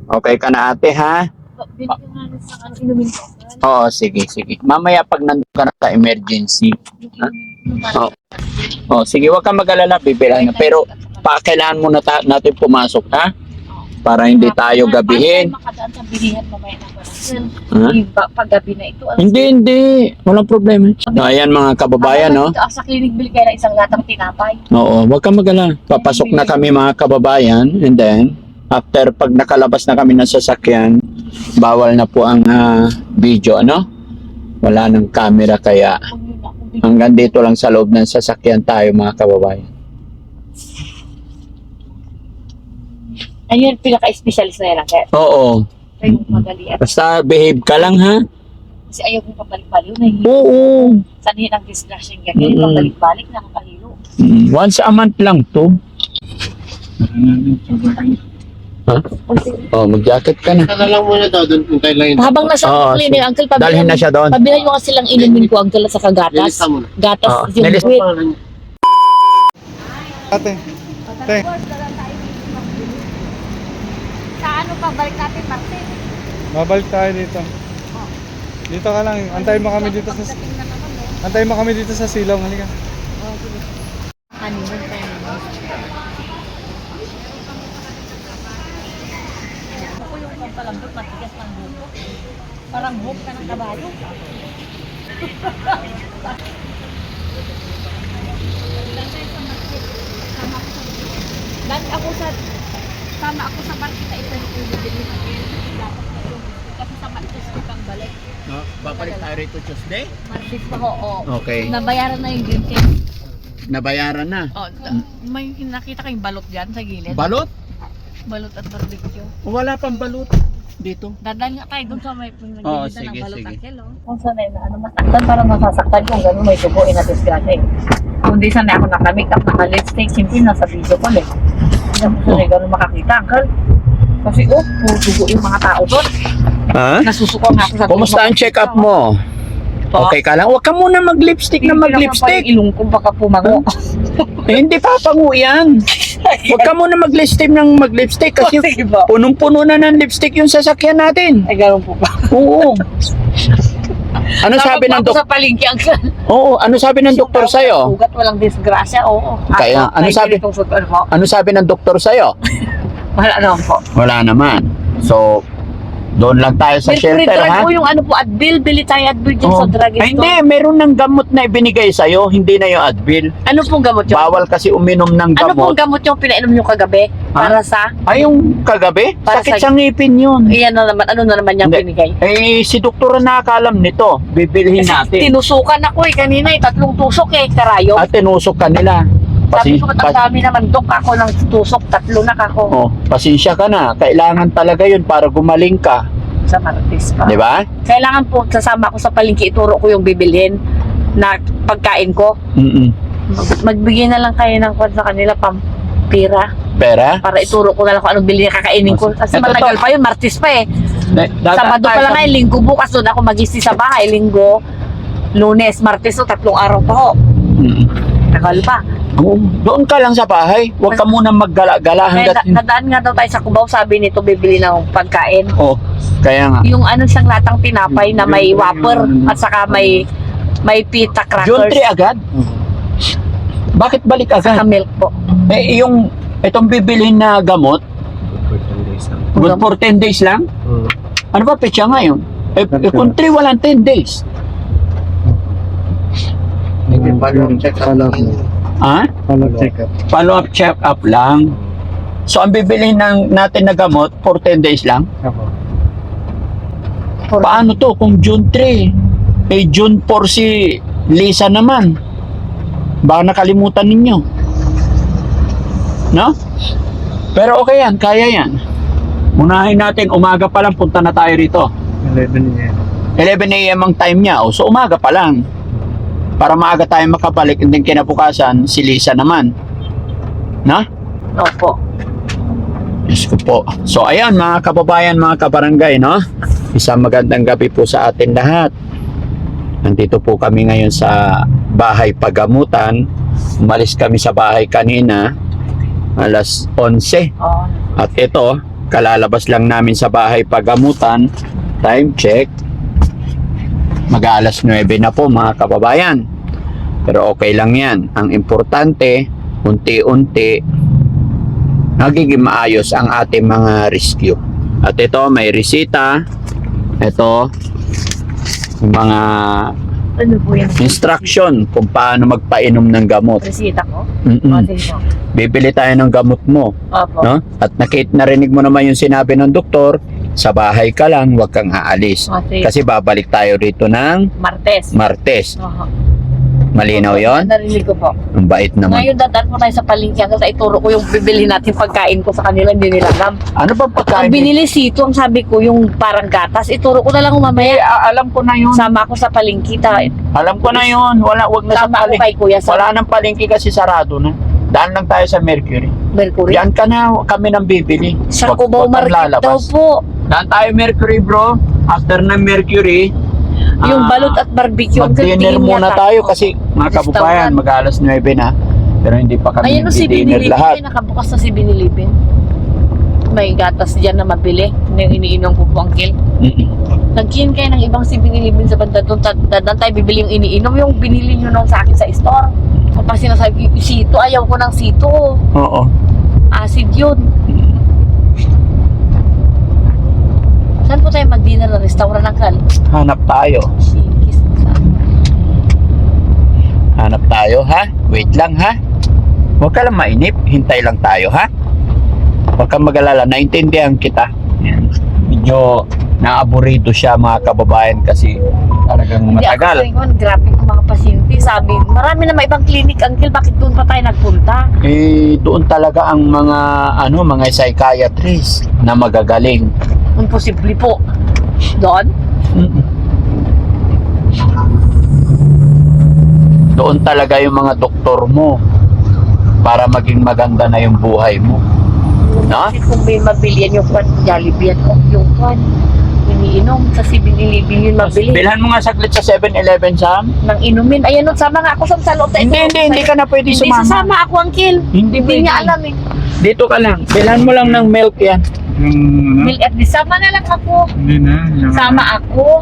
Okay ka na ate ha? Binigyan nga rin sa inumin ko. Oo, sige, sige. Mamaya pag nandun ka na sa emergency. Ha? Oo. Oh, sige, wag kang mag-alala, bibilang na. Pero kailangan muna natin pumasok, ha? Para hindi tayo gabihin. Para makadaan sa bilihan mamaya na Ha? paggabi na ito. Hindi. Walang problema. So, ayan mga kababayan, no? Sa clinic, bili kayo ng isang latang tinapay. Oo, wag kang mag-alala. Papasok na kami mga kababayan. And then, after pag nakalabas na kami ng sasakyan, bawal na po ang video, ano? Wala ng camera kaya hanggang dito lang sa loob ng sasakyan tayo mga kababayan. Ayun, pinaka-specialist na yan. Kaya Oo. kayo madalian. Basta behave ka lang ha. Kasi ayaw kong pabalik-balik. Nahihilo. Oo. Sanhin ang discussion ganyan. Pabalik-balik, nakakahilo. Once a month lang to. Ha? Oh, mag-jacket ka na. Saka lang muna daw, doon puntay lang yun. Habang nasa clinic, uncle, Dalhin na siya doon. pabilan mo kasi lang inumin ko, uncle, at saka gatas. Nilista mo na. Gatas, yung nilista wheat. Ate. Ate. Sa ano pa, balik natin, Martin? Babalik tayo dito. Dito ka lang. Antayin mo kami dito sa Antayin mo kami dito sa silong. Halika. Ano yun, tayo. Ako yung pampalambot, matigas ng buko. Parang hook ka ng kabayo. Dahil ako sa tama ako sa market na ito yung bibili ng dapat na yun. Kasi sa market ko kang balik. No, babalik tayo rito Tuesday? Market pa ko, oo. Okay. Nabayaran na yung green tea. Nabayaran na. Oh, may nakita kayong balot dyan sa gilid. Balot? Balot at barbecue. Wala pang balot dito. Dadaan nga tayo doon sa may Oo, nagbibita sige, ng balot sige. ang kilo. Kung sanay na ano, masaktan parang masasaktan kung gano'n may dugo inatisgrasya eh. Kung di sanay ako naka-makeup, naka-lipstick, simple nasa video ko eh. Hindi ako sanay gano'n makakita, uncle. Kasi puro dugo yung mga tao doon. Ha? Nasusuko nga ako sa Kumusta ang check-up mo? Okay ka lang? Huwag ka muna mag-lipstick na mag-lipstick. Ilong ko baka pumango. Eh, hindi papango yan. Huwag ka muna mag-lipstick ng mag-lipstick kasi Sige ba? punong-puno na ng lipstick yung sasakyan natin. Ay, gano'n po ba? Oo. Ano sabi ng Ako doktor? sa palengke, uncle. Oo, ano sabi ng doktor sa'yo? Sugat, walang disgrasya, oo. Kaya, ano sabi? Ano sabi ng doktor sa'yo? Wala naman po. Wala naman. So, doon lang tayo sa shelter, ha? po yung ano po, Advil, bili tayo Advil dyan Oh. sa drugstore. Ay, hindi, meron ng gamot na ibinigay sa'yo, hindi na yung Advil. Ano pong gamot yun? Bawal kasi uminom ng Ano gamot. pong gamot yung pinainom nyo kagabi? Para sa? Ay, yung kagabi? Para Sakit sa- sa ngipin yun. Iyan na naman, ano na naman yung Hindi. binigay? Eh, si doktor na nakakalam nito. Bibilhin natin. Tinusukan ako kanina 3 tusok karayo. At tinusok ka nila. Sabi ko, ang dami naman, Dok, ako ng tusok, 3 na ako. Oh, pasensya ka na. Kailangan talaga yun para gumaling ka. Sa Martes pa. Di ba? Kailangan po, sasama ko sa palengke, ituro ko yung bibilhin na pagkain ko. Mm-mm. Magbigay na lang kayo ng kwan sa kanila, pampira. Pera? Para ituro ko na lang kung anong bilhin kakainin ko. Kasi Ito, matagal pa yun, Martes pa eh. Sabado pa lang ngayon, Linggo bukas doon ako mag-isti sa bahay. Linggo, Lunes, Martes, 3 araw pa ho. Tagal pa. Oo, doon ka lang sa bahay. Huwag ka muna maggala-gala Kaya hanggat... nadaan nga daw tayo sa Cubao, sabi nito bibili ng pagkain. Oh, kaya nga. Yung ano siyang latang tinapay na may whopper at saka may pita June 3 crackers. agad? Bakit balik agad? Saka milk po. Eh, itong bibilhin na gamot, good for 10 days lang? Ano ba petsa ngayon? Eh, kung 3, walang 10 days. Hindi, follow-up check-up lang yun. Ha? Follow-up check-up lang. So, ang bibilhin natin na gamot for 10 days lang? Paano to kung June 3? Eh, June 4 si Lisa naman. Baka nakalimutan ninyo. No? Pero okay yan, kaya yan. Unahin natin, umaga pa lang, punta na tayo rito. 11 a.m. ang time niya. O, so, umaga pa lang. Para maaga tayo makabalik, and then kinabukasan, si Lisa naman. Na? Opo. Diyos ko po. So, ayan, mga kababayan, mga kabarangay, no? Isang magandang gabi po sa atin lahat. Nandito po kami ngayon sa bahay pagamutan. Umalis kami sa bahay kanina, alas 11. Oh. At ito, kalalabas lang namin sa bahay pagamutan. Time check. Mag-aalas 9 na po mga kababayan. Pero okay lang yan. Ang importante, unti-unti, nagiging maayos ang ating mga rescue. At ito, may resita. Ito, yung mga Ano po yan? instruction kung paano magpainom ng gamot. Resita ko? Mm-mm. Sige po. Bibili tayo ng gamot mo. Opo. No? At narinig mo naman yung sinabi ng doktor, sa bahay ka lang, huwag kang aalis. Sige. Kasi babalik tayo rito ng Martes. Martes. Oho. Malinaw yon? Narinig ko po. Ang bait naman. Ngayon dadaan po tayo sa palengke kasi ituro ko yung bibili natin pagkain ko sa kanila, hindi nila alam. Ano ba pagkain? Ang binili sito, ang sabi ko, yung parang gatas, ituro ko na lang mamaya. Alam ko na yun. Sama ako sa palengke. Alam ko na yun. Wag na sa Sama ako palengke. kay Kuya sa Wala nang palengke kasi sarado na. Daan lang tayo sa Mercury. Mercury. Diyan ka na kami nang bibili. Sa Wag- Cubao wag kang Market daw lalabas. po. Daan tayo Mercury bro. After ng Mercury, Yung balot at barbecue. ang mag-dinner tingin muna yata. tayo kasi mga kababayan, Restaurant. mag-alas 9 na. Pero hindi pa kami Ayan o si dinner Binilipin. lahat. Nakabukas na si Binilipin. May gatas dyan na mabili. Yung iniinom ko po, Uncle. Mm-mm. Nagkin kayo ng ibang si Binilipin sa banda doon. Dadaan tayo bibili yung iniinom. Yung binili nyo noon sa akin sa store. Kapag sinasabi ko, sito, ayaw ko ng sito. Oo. Acid yun. Saan po tayo mag-dinner na restaurant ng Kal? Hanap tayo. Shikis. Saan? Hanap tayo, ha? Wait lang, ha? Huwag ka lang mainip. Hintay lang tayo, ha? Huwag kang mag-alala. Naintindihan kita. Yan. Medyo naaburito siya, mga kababayan, kasi talagang Hindi matagal. ako sayang, grabe yung mga pasyente. Sabi, marami na may ibang clinic, Uncle. Bakit doon pa tayo nagpunta? Eh, doon talaga ang mga, mga psychiatrist na magagaling. Imposible po. Doon? Mm-mm. Doon talaga yung mga doktor mo para maging maganda na yung buhay mo. No? Kasi kung may mabili yan yung kwan, Jollibee yan, yung kwan, iniinom sa 7-Eleven yun mabili. Bilhan mo nga saglit sa 7-Eleven, Sam. Nang inumin. Ayan, nun, sama nga ako sa loob. Hindi ka na pwede Hindi sumama. sasama ako, Uncle. Hindi Hindi pwede. niya alam eh. Dito ka lang. Bilhan mo lang ng milk yan. Yung ano? Mil at di sama na lang ako. Hindi na. Yung, Sama ako.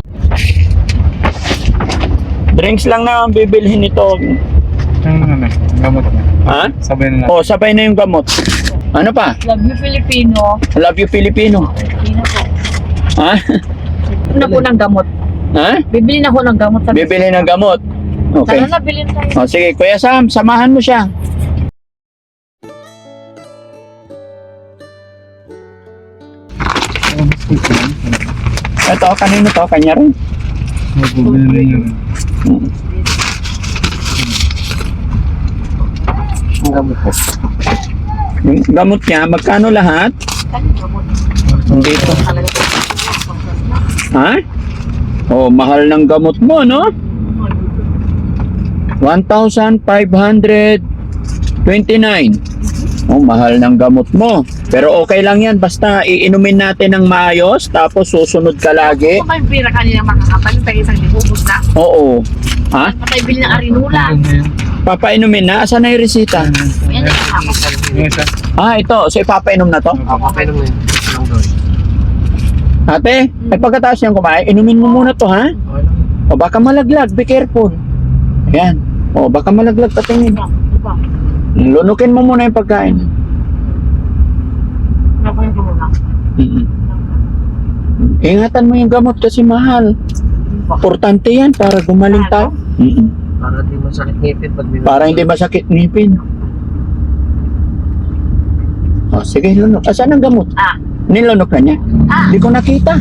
Drinks lang na ang bibilhin nito. Yung ano, gamot na. Ha? Sabay na lang. O, sabay na yung gamot. Ano pa? Love you, Filipino. Love you, Filipino. Hindi na po. Ha? Bibili na po ng gamot. Ha? Bibili na ako ng gamot. Bibili ng gamot. Okay. Tara na, bilhin tayo. O, sige, Kuya Sam, samahan mo siya. Ito, kanino to? Kanya rin. Bumili yun. Ang gamot ko. Yung gamot niya, magkano lahat? Dito. Ha? Oh, mahal ng gamot mo, no? 1,529. Oh, mahal ng gamot mo. Pero okay lang yan. Basta iinumin natin ng maayos, tapos susunod ka lagi. Kung may pira kanina makakapal, tayo isang libubos na. Oo. Ha? Patay bili ng arinula. Papainumin na? Asan na yung resita? Yan yung ako. Yung isa. Ah, ito. So, ipapainom na to? Okay naman yun. Lang doon. Ate, ay pagkatapos niyang kumain, inumin mo muna to, ha? O baka malaglag, be careful. Ayan. O baka malaglag, patingin. Lunukin mo muna yung pagkain. Nakunin ko muna. Mm-mm. Ingatan mo yung gamot kasi mahal. Importante yan para gumaling tayo. Mm-mm. Para di masakit ngipin pag binigyan. Para hindi masakit ngipin. O sige, lunok. Asan ang gamot? Ah. Nilunok na niya? Hindi ko nakita.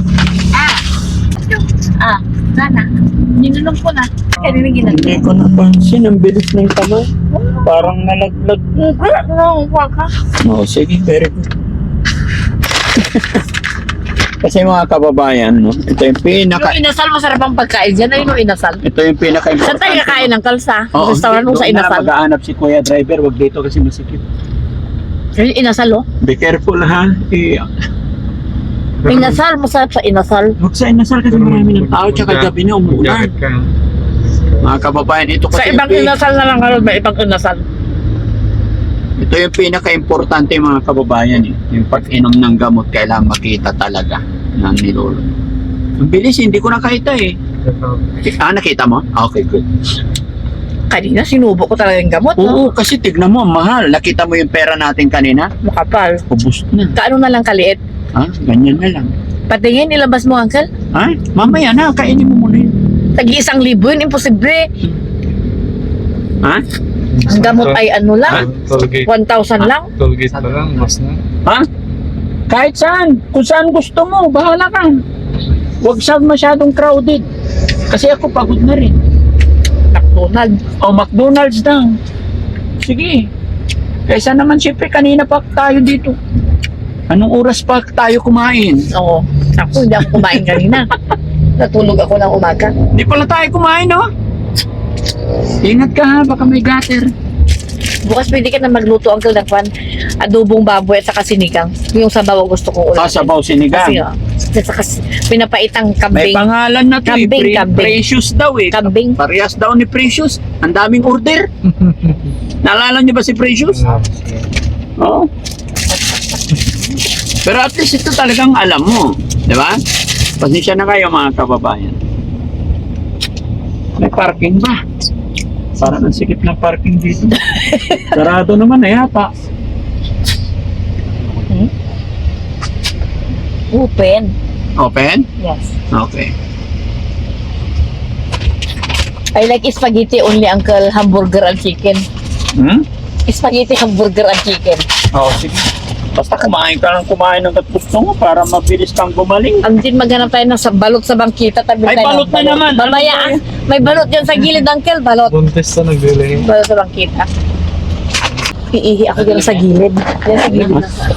Sana. Ninunong ko na. Kaya rin Hindi ko napansin. Ang bilis ng kamay. Parang nalaglag. Huwag ka. Oo, sige, very good. Kasi mga kababayan, no, ito yung pinaka... Yung inasal, masarap ang pagkain dyan. Ayun yung inasal. Ito yung pinaka-importante. Saan tayo kakain ng kalsa? Oo, Restaurant mo sa doon na inasal. maghahanap si Kuya Driver, wag dito kasi masikip. Yung inasal, oh. Be careful, ha? Inasal, masarap sa inasal. Huwag sa inasal kasi marami ng tao, tsaka gabi na umuulan. Jacket ka. Mga kababayan, ito Sa kasi... ibang inasal na lang karon, may ibang inasal. Ito yung pinaka-importante mga kababayan eh. Yung pag-inom ng gamot, kailangan makita talaga na nilolo. Ang bilis, hindi ko nakita eh. Nakita mo? Okay, good. Kanina, sinubo ko talaga yung gamot. Oo, kasi tignan mo, mahal. Nakita mo yung pera natin kanina? Makapal. Ubus na. Kaano na lang kaliit? Ha? Ganyan na lang. Patingin, ilabas mo, Uncle. Ha? Mamaya na, kainin mo muna yun. Tag-1,000 yun, imposible. Ha? Ang gamot ay ano lang, Tollgate. 1,000 lang. Tollgate pa lang, mas na. Ha? Kahit saan. Kung saan gusto mo, bahala ka. Huwag sa masyadong crowded. Kasi ako pagod na rin. McDonald. O McDonald's lang. Sige. Kaysa naman siyempre kanina pa tayo dito. Anong oras pa tayo kumain? Oo. Ako, hindi ako kumain kanina. Natulog ako ng umaga. Hindi pala tayo kumain, no? Ingat ka ha, baka may gutter. Bukas pwede ka na magluto, Uncle, ng kwan. Adobong baboy at saka sinigang. Yung sabaw ang gusto kong ulam. Sabaw sinigang. Kasi, at saka pinapaitang May kambing. pangalan na to Kambing, kambing. Precious daw eh. Kambing. Parehas daw ni Precious. Ang daming order. Naalala niyo ba si Precious? Oo. Pero at least ito talagang alam mo. Di ba? Pasensya na kayo mga kababayan. May parking ba? Parang ang sikip ng parking dito. Sarado naman eh, yata. Open. Open? Yes. Okay. I like spaghetti only, Uncle. Hamburger and chicken. Hmm? Spaghetti, hamburger and chicken. Oo, sige. Basta kumain ka ng kumain ng gusto mo para mabilis kang gumaling. Ang din maghanap tayo ng balot sa bangkita. Tabi Ay, tayo balot ng na naman. Mamaya, Ano ba yan? may balot dyan sa gilid, Uncle. Balot. Buntis na naglilihin. Balot sa bangkita. Iihi ako dyan sa gilid. Dyan sa gilid.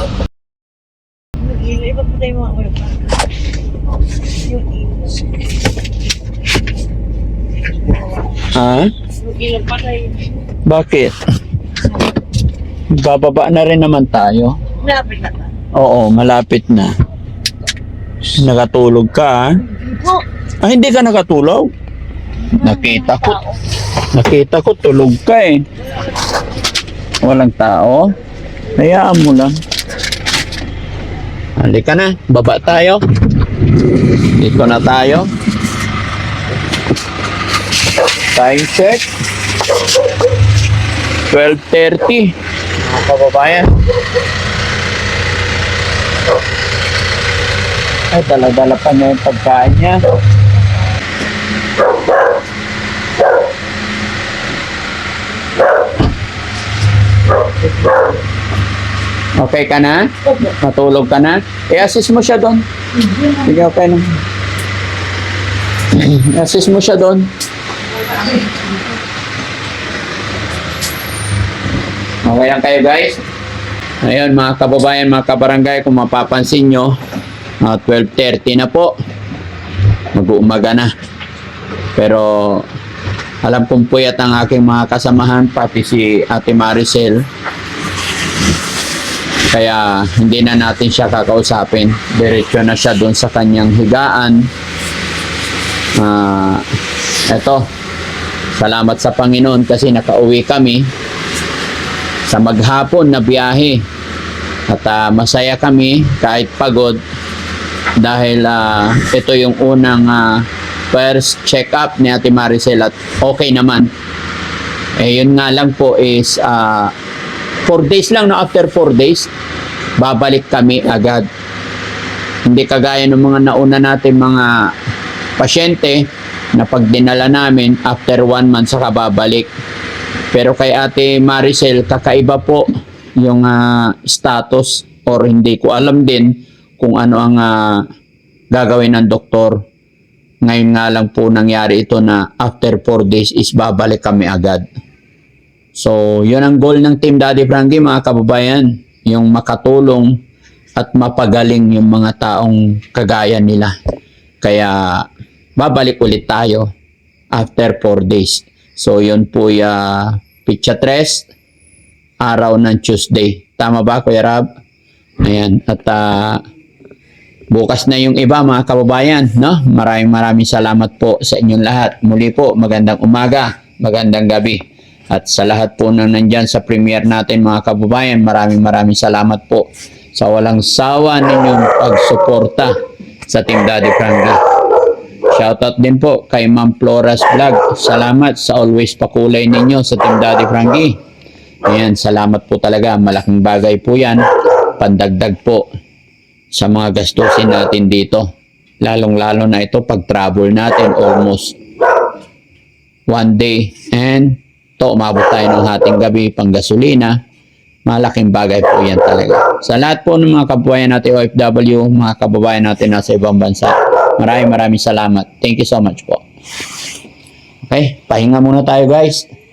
Iba pa tayo mga Ha? Bakit? Bababa na rin naman tayo. Malapit na. Oo, malapit na. Nakatulog ka, ha? Ah, hindi ka nakatulog? Nakita ko. Nakita ko, tulog ka eh. Walang tao. Hayaan mo lang. Halika na, baba tayo. Dito na tayo. Time check. 12:30. Mga kababayan. Ay, dala-dala pa niya yung pagkain niya. Okay ka na? Matulog ka na? I-assist mo siya doon. Sige, okay na. I-assist mo siya doon. Okay lang kayo guys? Ayun mga kababayan, mga kabarangay, kung mapapansin nyo, 12:30 na po. Mag-uumaga na. Pero alam kong puyat ang aking mga kasamahan, pati si Ate Maricel. Kaya hindi na natin siya kakausapin. Diretso na siya doon sa kanyang higaan. Eto, salamat sa Panginoon kasi nakauwi kami sa maghapon na biyahe. At masaya kami kahit pagod dahil ito yung unang first check-up ni Ate Maricel at okay naman. Eh yun nga lang po is 4 days lang, no? After 4 days babalik kami agad. Hindi kagaya ng mga nauna natin mga pasyente na pag dinala namin after 1 month saka babalik. Pero kay Ate Maricel kakaiba po yung status, or hindi ko alam din kung ano ang gagawin ng doktor. Ngayon nga lang po nangyari ito na after 4 days is babalik kami agad. So, yun ang goal ng Team Daddy Frankie mga kababayan. Yung makatulong at mapagaling yung mga taong kagaya nila. Kaya, babalik ulit tayo after 4 days. So, yun po Pitsa 3, araw ng Tuesday. Tama ba, Kuya Rab? Ayan. At bukas na yung iba mga kababayan, no? Maraming salamat po sa inyong lahat. Muli po, magandang umaga, magandang gabi. At sa lahat po na nandyan sa premiere natin mga kababayan, maraming salamat po sa walang sawa ninyong pagsuporta sa Team Daddy Frankie. Shoutout din po kay Ma'am Flora's Vlog. Salamat sa always pakulay ninyo sa Team Daddy Frankie. Ayan, salamat po talaga. Malaking bagay po yan. Pandagdag po sa mga gastusin natin dito. Lalong-lalo na ito pag travel natin almost one day and umabot tayo ng hating gabi pang gasolina. Malaking bagay po yan talaga. Sa lahat po ng mga kababayan natin OFW, mga kababayan natin nasa ibang bansa, maraming salamat. Thank you so much po. Okay, pahinga muna tayo guys.